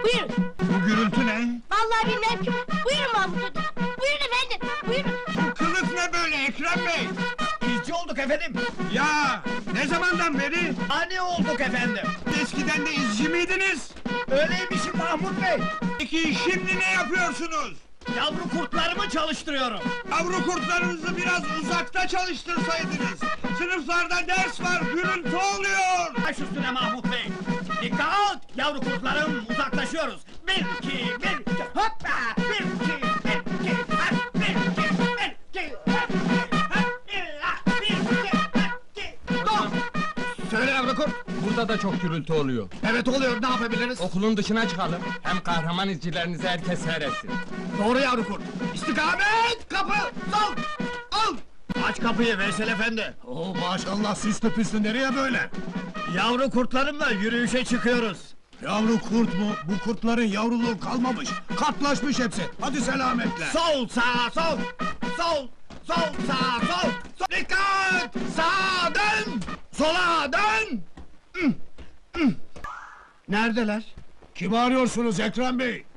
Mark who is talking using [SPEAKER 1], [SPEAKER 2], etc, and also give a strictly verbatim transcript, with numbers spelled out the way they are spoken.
[SPEAKER 1] Buyurun.
[SPEAKER 2] Bu gürültü ne?
[SPEAKER 1] Vallahi bilmem ki. Buyurun Mahmut Hoca. Buyurun efendim. Buyurun.
[SPEAKER 2] Bu kılık ne böyle Ekrem Bey?
[SPEAKER 3] İzci olduk efendim.
[SPEAKER 2] Ya ne zamandan beri?
[SPEAKER 3] Ani olduk efendim.
[SPEAKER 2] Eskiden de izci miydiniz?
[SPEAKER 3] Öyleymişim Mahmut Bey.
[SPEAKER 2] Peki şimdi ne yapıyorsunuz?
[SPEAKER 3] Yavru kurtlarımı çalıştırıyorum.
[SPEAKER 2] Yavru kurtlarınızı biraz uzakta çalıştırsaydınız. Sınıflarda ders var, gürültü oluyor.
[SPEAKER 3] Baş üstüne Mahmut Bey. Dikkat! Yavru kurtlarım, uzaklaşıyoruz. Bir, iki, bir, iki, hoppa! Bir, iki, bir, iki, hop! Bir, iki, bir, iki, hop! Hop! İlla! Bir, iki, bir, iki, dur!
[SPEAKER 4] Söyle yavru kurt. Burada da çok gürültü oluyor.
[SPEAKER 3] Evet oluyor, ne yapabiliriz?
[SPEAKER 4] Okulun dışına çıkalım. Hem kahraman izcilerinizi herkes seyretsin.
[SPEAKER 3] Doğru yavru kurt. İstikamet! Kapı! Sol! Al! Aç kapıyı Veysel efendi.
[SPEAKER 2] Oo maşallah süslü püslü nereye böyle?
[SPEAKER 3] Yavru kurtlarımla yürüyüşe çıkıyoruz.
[SPEAKER 2] Yavru kurt mu? Bu kurtların yavruluğu kalmamış. Katlaşmış hepsi. Hadi selametle.
[SPEAKER 3] Sol, sağ, sol! Sol, sol, sağ, sol! sol. Dikkat! Sağa dön! Sola dön!
[SPEAKER 2] Neredeler? Kimi arıyorsunuz Ekrem Bey?